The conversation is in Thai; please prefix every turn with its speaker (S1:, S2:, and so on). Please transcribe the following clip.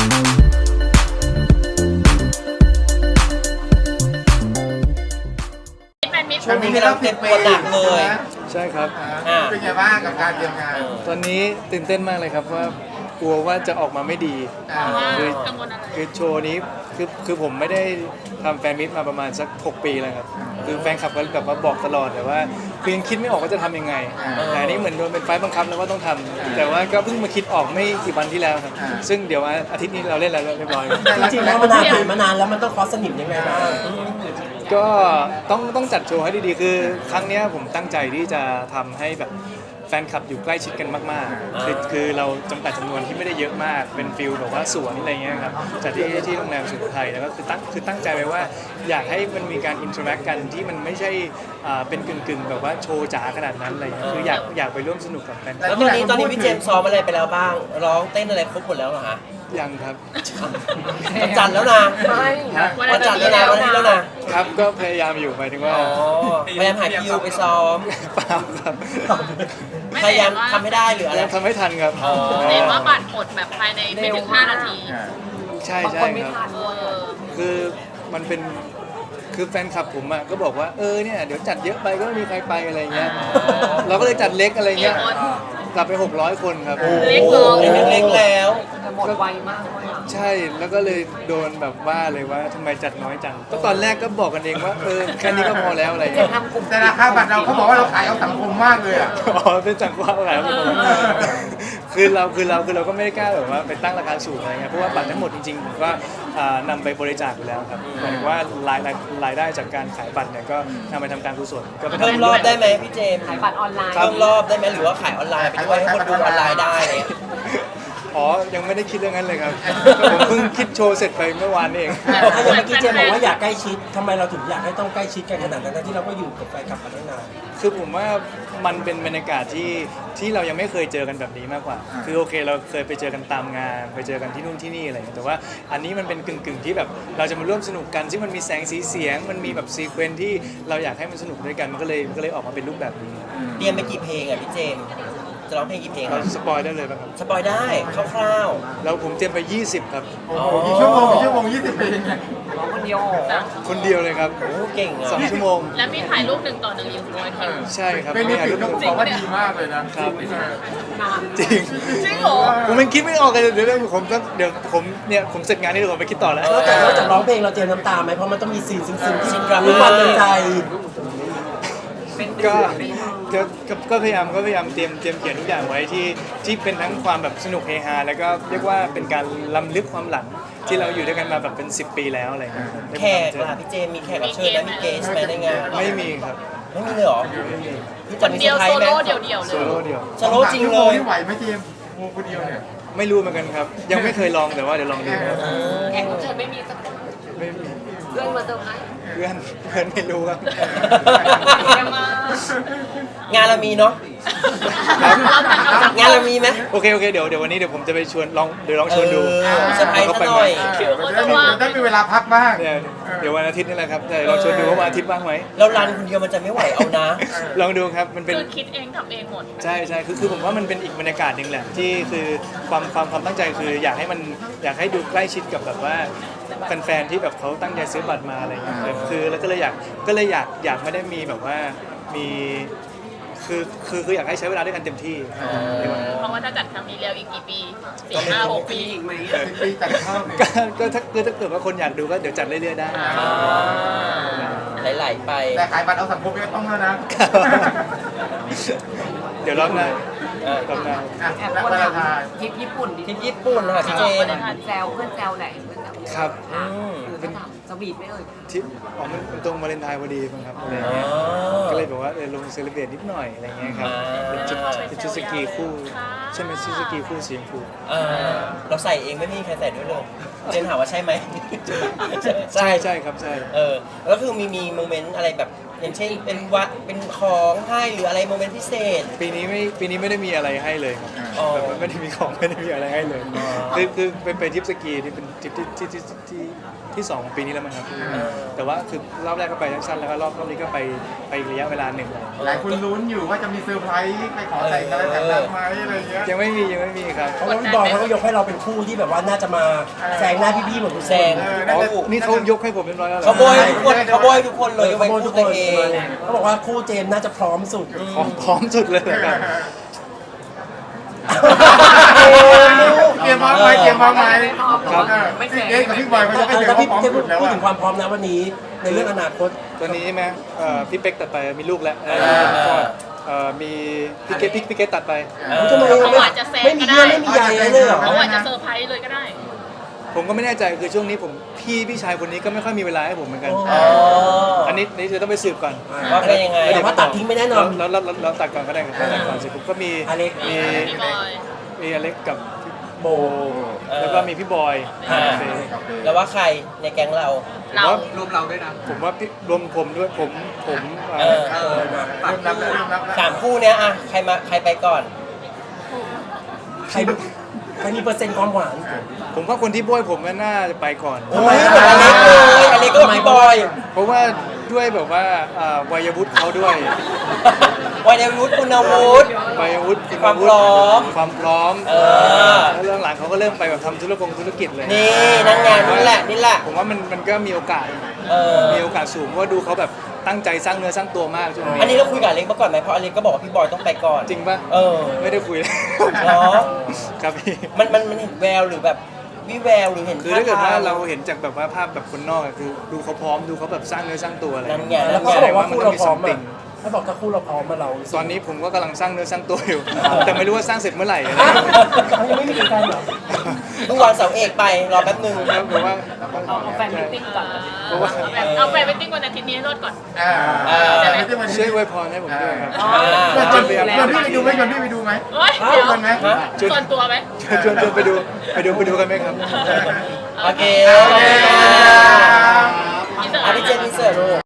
S1: ช่วงนี้กำลังเตรียมตัวหนักเลย
S2: ใช่ครับ
S3: เป็นไงบ้างกับการเตรียมงาน
S2: ตอนนี้ตื่นเต้นมากเลยครับว่ากลัวว่าจะออกมาไม่ดีคือโชว์นี้คือผมไม่ได้ทำแฟนมิตมาประมาณสัก6 ปีแล้วครับคือแฟนคลับก็แบบว่าบอกตลอดแต่ว่าคือยังคิดไม่ออกว่าจะทำยังไงแต่นี่เหมือนโดนเป็นไฟบังคับแล้วว่าต้องทำแต่ว่าก็เพิ่งมาคิดออกไม่กี่วันที่แล้วครับซึ่งเดี๋ยวอาทิตย์นี้เราเล่นแล้วเรียบร้อย
S1: จริงๆแล้วมันผ่านมานานแล้วมันต้องคอสนิมยังไงบ้าง
S2: ก็ต้องจัดโชว์ให้ดีๆคือครั้งนี้ผมตั้งใจที่จะทำให้แบบแฟนคลับอยู่ใกล้ชิดกันมากๆคือเราจำกัดจำนวนที่ไม่ได้เยอะมากเป็นฟิลแบบว่าสวนอะไรเงี้ยครับจัดที่โรงแรมสุโขทัยแล้วก็คือตั้งใจไว้ว่าอยากให้มันมีการอินเทอร์แอคกันที่มันไม่ใช่เป็นกึ่งแบบว่าโชว์จ๋าขนาดนั้นอะไรเงี้ยคืออยากไปร่วมสนุกกับแฟน
S1: แล้วตอนนี้พี่เจมส์ซ้อมอะไรไปแล้วบ้างร้องเต้นอะไรครบหมดแล้วเหรอฮะ
S2: ยังครับ
S1: วันจันทร์แล้วนะวันจันทร์แล้วนะวันนี้แล้วนะครับ
S2: ก็พยายามอยู่หมายถึงว่า
S1: พยายามหาคิวไปซ้อม
S2: เปล่าครับ
S1: พยายามทำให้ได้หรืออะไร
S2: ทำให้ทันครับ
S4: เห็นว่าบัตรหมดแบบภายในไม่ถึง5 นาที
S2: ใช่ครับคือมันเป็นคือแฟนคลับผมอ่ะก็บอกว่าเนี่ยเดี๋ยวจัดเยอะไปก็ไม่มีใครไปอะไรเงี้ยเราก็เลยจัดเล็กอะไรเงี้ยกลับไป600 คนครับ
S4: เล็ก
S1: แล้ว
S4: หมดไวมากเลย
S2: ใช่แล้วก็เลยโดนแบบว่าเลยว่าทำไมจัดน้อยจังก็ตอนแรกก็บอกกันเองว่าแค่นี้ก็พอแล้วอะไรเงี้ย
S3: แต่ราคาบัตรเราเขาบอกว่าเราขายเอาสังคมมากเลยอ่ะ
S2: เป็นสังคมอะไรคือเราก็ไม่ได้กล้าแบบว่าไปตั้งราคาสูงอะไรเงี้ยเพราะว่าบัตรทั้งหมดจริงๆผมก็นำไปบริจาคอยู่แล้วครับหมายถึงว่ารายได้จากการขายบัตรเนี่ยก็นำไปทำการกุศลก็
S1: เพิ่มรอบได้ไหมพี่เจมส์
S4: ขายบัตรออนไลน์
S1: เพิ่มรอบได้ไหมหรือว่าขายออนไลน์ไปด้วยให้คนดูออนไลน์ได้
S2: ยังไม่ได้คิดเรื่องนั้นเลยครับผมเพิ่งคิดโชว์เสร็จไปเมื่อวานเอง
S1: ถ้าอย่างเมื่อกี้เจมบอกว่าอยากใกล้ชิดทำไมเราถึงอยากให้ต้องใกล้ชิดกันขนาดนั้นที่เราก็อยู่กับแฟนคลับมาตั้งนาน
S2: คือผมว่ามันเป็นบรรยากาศที่เรายังไม่เคยเจอกันแบบนี้มากกว่าคือโอเคเราเคยไปเจอกันตามงานไปเจอกันที่นู่นที่นี่อะไรอย่างเงี้ยแต่ว่าอันนี้มันเป็นกึ่งที่แบบเราจะมาร่วมสนุกกันที่มันมีแสงสีเสียงมันมีแบบซีเควนซ์ที่เราอยากให้มันสนุกด้วยกันมันก็เลยออกมาเป็นรูปแบบนี้
S1: เตรียมไปกี่เพลงอ่ะพี่เจมจะร้องเพลงกี่เพลง
S2: เราสปอยได้เลยป่ะครับ
S1: สปอยได้คร่าว
S2: ๆแล้วผมเตรียมไป20ครับ
S3: กี่ชั่วโมง20 เพลง
S4: ร้องคนเดียว
S2: คนเดียวเลยครับ
S1: โอ้เก่งอ่ะ
S2: 2 ชั่วโมง
S4: แล้วมีถ่ายรูป1 ต่อ 1อยู่ด้วย
S2: ใช่ครับ
S3: เป็นถ่ายรูปบอกว่าดีมากเลยนะครับ
S2: จริง
S4: เหรอ
S2: ผมยังคิดไม่ออกเลยเดี๋ยวผมเสร็จงานนี้เดี๋ยวผมไปคิดต่อแล้ว
S1: นอกจากร้องเพลงเราเตรียมน้ำตาไหมเพราะมันต้องมีซีนซึ้งๆที่มีความใจ
S2: ก็พยายามเตรียมเขียนทุกอย่างไว้ที่เป็นทั้งความแบบสนุกเฮฮาแล้วก็เรียกว่าเป็นการล้ำลึกความหลังที่เราอยู่ด้วยกันมาแบบเป็น10 ปีแล้วอะไรเงี้ย
S1: แขกล่ะพี่เจมมีแขกรับเชิญไหมมีเกสไหมในงาน
S2: ไม่มีครับ
S1: ไม่มีเลยหรอ
S4: คนเดียวโซโล่เดี่ยวเลย
S2: โซโล่เดี่ยว
S1: โซโล่จริงเลย
S3: ไหวไหมเจมคนเดียวเนี่ย
S2: ไม่รู้เหมือนกันครับยังไม่เคยลองแต่ว่าเดี๋ยวลองดู
S4: แขกรับเชิญไม่มีสักคน
S2: ไม่มี
S4: เพื่อนมาเซอร์ไพรส์
S2: เพื่อนไม่รู้ครับ
S1: งานเรามีเนาะงานเรามีไหม
S2: โอเคเดี๋ยววันนี้เดี๋ยวผมจะไปชวนลองชวนดู
S1: เซอร์ไพรส์หน่อย
S3: ได้มีเวลาพักบ้าง
S2: เดี๋ยววันอาทิตย์นี่แหละครับลองชวนดูว่าวันอาทิตย์บ้างไหม
S1: เรารันคนเดียวมันจะไม่ไหวเอานะ
S2: ลองดูครับมันเป็น
S4: คือคิดเองทำเองหมด
S2: ใช่คือผมว่ามันเป็นอีกบรรยากาศหนึ่งแหละที่คือความตั้งใจคืออยากให้ดูใกล้ชิดกับแบบว่าแฟนๆที่แบบเขาตั้งใจซื้อบัตรมาอะไรอย่างเงี้ยคือแล้วก็เลยอยากไม่ได้มีแบบว่ามีคืออยากให้ใช้เวลาด้วยกันเต็มที่
S4: เพราะว่าถ้าจัดครั้งนี้แล้วอีกกี่ปี4-5-6 ปีอีกไหม
S3: ปีจัดข้าว
S2: ก็ถ้าเกิดว่าคนอยากดูก็เดี๋ยวจัดเรื่อยๆได้
S1: ไหลๆไป
S3: แต่ขายบัตรเอาสังคมไม่ต้องแล้วนะ
S2: เดี๋ยวรอบหน้า
S4: แอบคนถามทริปญี่ปุ่น
S1: ค่ะพี่เจน
S4: แซวเพื่อนแซวไหน
S2: ครับ
S4: เป็นสวีทไม่เอ่ย
S2: ทริปมันตรงวาเลนไทน์พอดีมั้งครับก็เลยบอกว่าลงเซเลบเรตนิดหน่อยอะไรเงี้ยครับเป็นชุดสกีคู่ใช่ไหมชุดสกีคู่สีชมพู
S1: เราใส่เองไม่มีใครใส่ด้วยเลยเจนถามว่าใช่ไหม
S2: ใช่ครับใช่
S1: แล้วคือมีโมเมนต์อะไรแบบอย่างเช่นเป็นของให้หรืออะไรโมเมนต์พิเศษ
S2: ปีนี้ไม่ได้มีอะไรให้เลยครับแบบไม่ได้มีของไม่ได้มีอะไรให้เลยคือไปทริปสกีที่เป็นทริปที่2 ปีนี้แล้วมั้งครับแต่ว่าคือรอบแรกก็ไปสั้นๆแล้วก็รอบนี้ก็ไประยะเวลาหนึ่ง
S3: หลายคนลุ้นอยู่ว่าจะมีเซอร์ไพรส์ไปขอแต่งอะไรแต่งงานไหมอะไรเงี้ย
S2: ยังไม่มีครับ
S1: เพราะว่าพี่บอยเขาก็ยกให้เราเป็น
S5: คู่ที่แบบว่าน่าจะมาแซงหน้าพี่ๆเหมือนคุณ
S1: แซง
S2: อ๋อนี่เขายกให้ผมเรียบร้อยแล้วเหรอ
S1: เขาโบยทุกคนเขาโบยทุกคนเลยยก
S5: เขา
S1: เว้น
S5: โบทุ
S1: คู่
S5: กค
S1: ตัวน เอง
S5: เขาบอกว่าคู่เจมส์น่าจะพร้อมสุด
S2: พร้อมสุดเลยเหรอครับ
S3: เตรียมพร้อมไหมเตรียมพร้อมไหม
S2: ครับ
S3: พี่เอ๊กับพี่บอยเขาจะให้เดี๋ยว
S5: แล้ว
S3: เขา
S5: พี่
S3: พร้อม
S5: เจม
S3: สุด
S5: ส์
S3: แล้ว
S5: พูด
S3: อะ
S5: ถึงความพร้อมนะวันนี้ในเรื่องอนาคต
S2: ตอนนี้ใช่ไหมพี่เป๊กตัดไปมีลูกแล้วมีพี่เกตตัดไป
S5: ทำไม
S4: เขาอาจจะแซง
S5: ไม่มี
S4: ก็
S5: เยื่
S4: ได้
S5: อไม่มีใยเลยเหรอ
S4: เขาอาจจะเซอร์ไพรส์เลยก็ได้
S2: ผมก็ไม่แน่ใจคือช่วงนี้ผมพี่ชายคนนี้ก็ไม่ค่อยมีเวลาให้ผมเหมือนกัน
S1: อ๋อ
S2: อันนี้จะต้องไปสืบก่อน
S1: ว่าเป็นยังไง
S5: แต่ว่าตัดทิ้งไม่แน่นอน
S2: แล้วตัดก่อนก็ได้ครับตัดก่อนเสร็จผมก็มี
S5: อเล็ก
S2: มี
S4: พี่บอย
S2: มีอเล็กกับ
S5: โบ
S2: แล้วก็มีพี่บอย
S1: อ่า
S2: โอเค
S1: แล้วว่าใครในแก๊งเรา
S4: เรา
S2: ผมว่าพี่รวมผมด้วยผม
S1: เออ
S3: เริ่มนับแล้วเริ่มนับแล้ว
S1: สามคู่เนี้ยอะใครไปก่อน
S5: ใครมีเปอร์เซ็นต์ความหวาน
S2: ผมว่าคนที่โบยผมน่าจะไปก่อน
S1: ทำไมเหมือนอเล็กเลยอเล็กก็กับพี่บอย
S2: เพราะว่าด้วยแบบว่าวัยวุฒิเขาด้วย
S1: วัยวุฒิคุณวุฒิ
S2: วัยวุฒิณ
S1: ความพร้อม
S2: ความพร้อม
S1: เออ
S2: แล้วเรื่องหลังเขาก็เริ่มไปแบบทำธุรกิจเลย
S1: นี่นั่นไงนี่แหละ
S2: ผมว่ามันก็มีโอกาส
S1: เออ
S2: มีโอกาสสูงเพราะว่าดูเขาแบบตั้งใจสร้างเนื้อสร้างตัวมากช่วงนี้
S1: อันนี้เราคุยกับอเล็กมาก่อนไหมเพราะอเล็กก็บอกว่าพี่บอยต้องไปก่อน
S2: จริงป่ะ
S1: เออ
S2: ไม่ได้คุยเลย
S1: เหรอ
S2: ครับพี่
S1: มันเห็นแววหรือแบบวิแววหรือเห็น
S2: คือถ้าเกิดว่าเราเห็นจากแบบว่าภาพแบบคนนอกอะคือดูเขาพร้อมดูเขาแบบสร้างเนื้อสร้างตัวอะไร
S1: นั่นไง
S5: แล้วก็
S1: นั่น
S5: เขา
S1: ไง
S5: บอกว่าคู่เราพร้อม
S2: ติ
S5: อ่ะเขาบอกถ้าคู่เราพร้อมมาเรา
S2: ตอนนี้ผมก็กำลังสร้างเนื้อสร้างตัวอยู่ แต่ไม่รู้ว่าสร้างเสร็จเมื่อไหร่อะไร
S5: เขายังไม่มีการเหรอ
S1: เพิ่งวางเสาเอกไปรอแป๊บนึง
S2: ครับผมว่า
S4: เอาแฟนมิทติ้งก่อน
S2: เพราะว่า
S4: เอาแฟนมิทติ้งวันอาทิตย์นี้ให้รอดก่อน
S2: ช่วยอวยพรให้ผมด้วยครับ
S3: ชวนพี่ไปดูไหมชวนพี่ไปดูไหม
S4: เฮ้ยเดี๋ยว
S3: ชวนไหม
S4: ส่วนตัวไหม
S2: ชวนไปดูกันไหมครับ
S1: โอเค
S3: โอเค